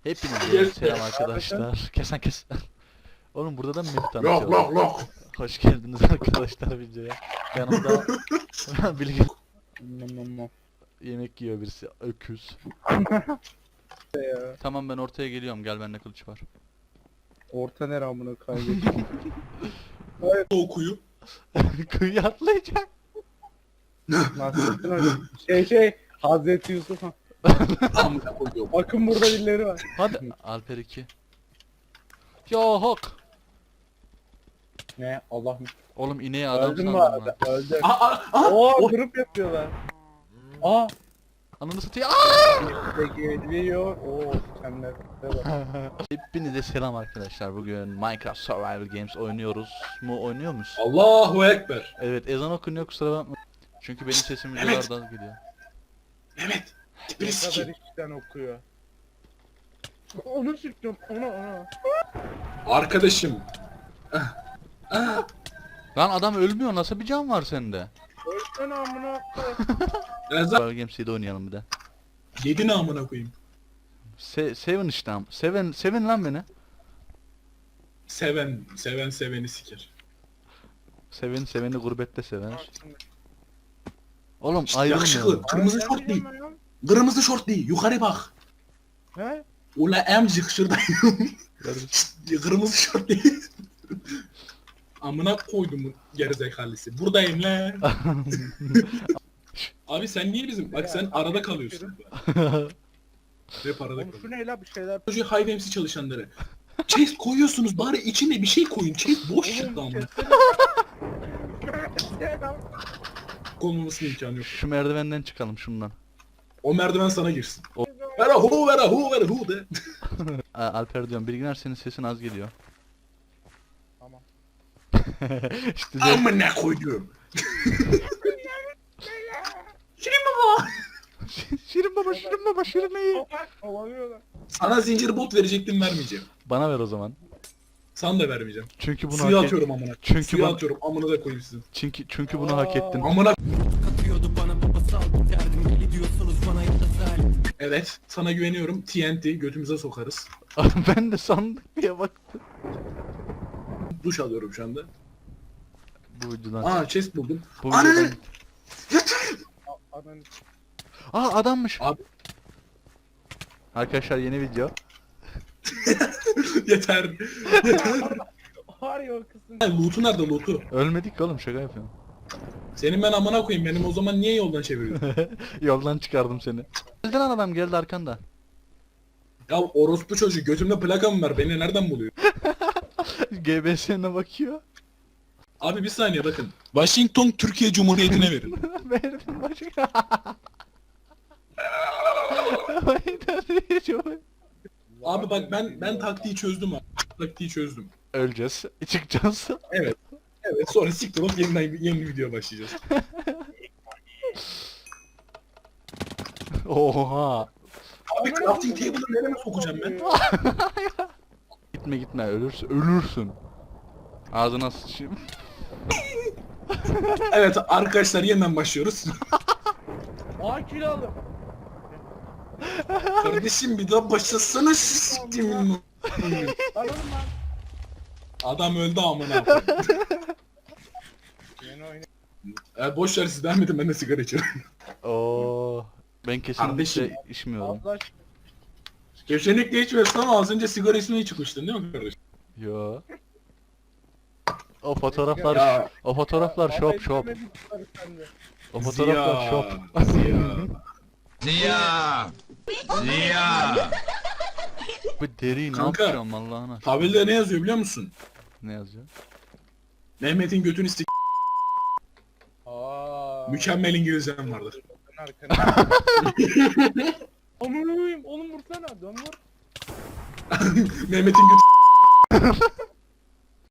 Hepinize selam arkadaşlar. Kes. Oğlum burada da mı Mehmet Lok tanışıyorlar? lok lok. Hoş geldiniz arkadaşlar videoya. Yanımda Bilge yemek yiyor birisi. Öküz. Tamam ben ortaya geliyorum. Gel bende kılıç var. Orta nere amına kaybettim. O kuyu. Kıyı atlayacak. Nasrettin Hoca. Hazreti Yusuf. Amına koyuyorum. Bakın burada birileri var. Hadi Alper 2. Yok. Ne? Allah mı? Oğlum ineği adam Öldün mü sandım arada? ben. Öldü. Aa. Oo grup yapıyorlar. Aa. Ananı satıyor. Aa! Geliyor. Oo senler. Hepinize selam arkadaşlar. Bugün Minecraft Survival Games oynuyoruz. Oynuyor musun? Allahu Ekber. Evet ezan okunuyor kusura bakma. Çünkü benim sesim Evet. videolardan geliyor. Mehmet. Ne Tipini kadar sikeyim. işten okuyor. Onu sıktım. Onu. Arkadaşım. Lan adam ölmüyor. Nasıl bir can var sende? Ölsene amına koyayım. Survival Games'de oynayalım bir de. Yedin amına koyayım. Seven işte am. Seven lan beni. Seven seveni siker. Seveni gurbette sever. Oğlum İşte ayrılmıyor. yakışıklı. mu? Kırmızı şort değil. Kırmızı şort değil. Yukarı bak. He? Ula emcik şuradayım. Kırmızı şort değil. Amına koydum bu gerizekalısı. Buradayım lan. Abi sen niye bizim? Bak sen arada kalıyorsun. Hep arada Oğlum şu kalıyorsun. ne la bir şeyler. Çocuğu High MC çalışanları. Chest koyuyorsunuz bari içine bir şey koyun. Chest boş çıktı amına. Konulmasının imkanı yok. Şu merdivenden çıkalım şundan. O merdiven sana girsin. O- Vera hu de. Alper diyorum. Bilginer senin sesin az geliyor. Tamam. işte Amına koyuyorum. Şirin baba. Şirin baba Şirin iyi. Kovalıyorlar. Sana zincir bot verecektim vermeyeceğim. Bana ver o zaman. Sana da vermeyeceğim. Çünkü bunu Suya hak atıyorum amına. Çünkü Suya bana- atıyorum amına da koyayım sizin. Çünkü bunu hak ettin. Amına Katıyordu bana babasal derdim gidiyorsunuz bana yeter. evet sana güveniyorum. TNT götümüze sokarız. Ben de sandık diye baktım. Duş alıyorum şu anda. Bu videodan. Aa chest buldum. Bu Ananı! videodan. Ananı. Adammış. Abi. Arkadaşlar yeni video. Yeter. Var ya o kısım. Loot'u nerede loot'u? Ölmedik ki oğlum şaka yapıyorum. Senin ben amına koyayım benim o zaman niye yoldan çeviriyorsun? Yoldan çıkardım seni. Geldi lan adam geldi arkanda. Ya orospu çocuğu götümde plakam var beni nereden buluyor? GBS'ne bakıyor. Abi bir saniye bakın. Washington Türkiye Cumhuriyeti'ne verin. Verdim başka. Abi bak ben taktiği çözdüm abi. Taktiği çözdüm. Öleceğiz. Çıkacağız. Evet sonra siktir olup yeniden yeni bir video başlayacağız. Oha. Abi crafting table'ı nereye sokacağım ben? Gitme ölürsün. Ağzına sıçayım. Evet arkadaşlar yeniden başlıyoruz. Aa kilo aldım. Kardeşim bir daha başlasana şu siktimin. Alalım lan. Adam öldü amına koyayım. Yeni oyun. Boş ver siz devam edin ben de sigara içiyorum. Oo. Ben kesinlikle Kardeşim. içmiyorum. Allah Kesinlikle içmiyorsun ama az önce sigara içmeye çıkmıştın değil mi kardeşim? Yo. O fotoğraflar Ya. o fotoğraflar aşkına. şop. Demedik bunları sende. O fotoğraflar şop. Ziya. Bu deriyi ne Kanka. yapacağım Allah'ın aşkına. Tabelde ne yazıyor biliyor musun? Ne yazıyor? Mehmet'in götünü sik. Aa. Mükemmel İngilizcem vardır. Arkana. Aman koyayım oğlum vursana dön vur. Mehmet'in götü